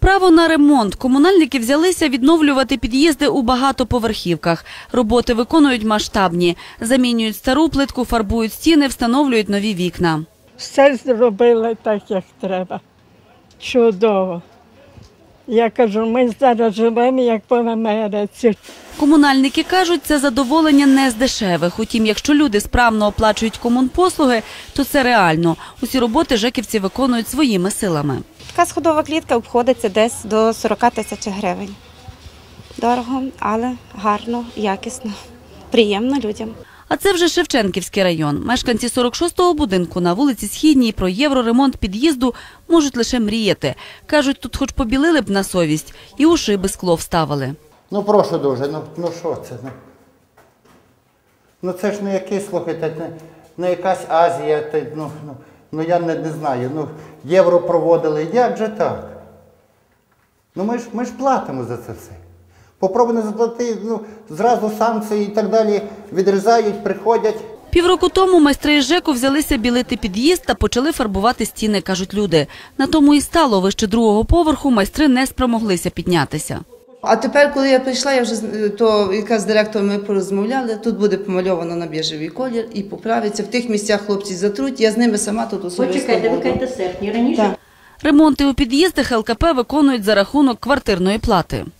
Право на ремонт. Комунальники взялися відновлювати під'їзди у багатоповерхівках. Роботи виконують масштабні. Замінюють стару плитку, фарбують стіни, встановлюють нові вікна. Все зробили так, як треба. Чудово. Я кажу, ми зараз живемо, як по Америці. Комунальники кажуть, це задоволення не з дешевих. Утім, якщо люди справно оплачують комунпослуги, то це реально. Усі роботи жеківці виконують своїми силами. Така сходова клітка обходиться десь до 40 тисяч гривень. Дорого, але гарно, якісно, приємно людям. А це вже Шевченківський район. Мешканці 46-го будинку на вулиці Східній про євроремонт під'їзду можуть лише мріяти. Кажуть, тут хоч побілили б на совість і у шиби скло вставили. Ну прошу дуже, ну що це? Ну це ж не якийсь, слухайте, не якась Азія, ну я не знаю, євро проводили, як же так? Ну ми ж платимо за це все. Попробуй не заплати, зразу санкції і так далі відрізають, приходять. Півроку тому майстри із ЖЕКу взялися білити під'їзд та почали фарбувати стіни, кажуть люди. На тому і стало, вище другого поверху майстри не спромоглися піднятися. А тепер, коли я прийшла, якраз з директором ми порозмовляли, тут буде помальовано на біжевий колір і поправиться. В тих місцях хлопці затруть, я з ними сама тут особисто буду. Почекайте, ви кажете серпні раніше? Ремонти у під'їздах ЛКП виконують за рахунок квартирної плати.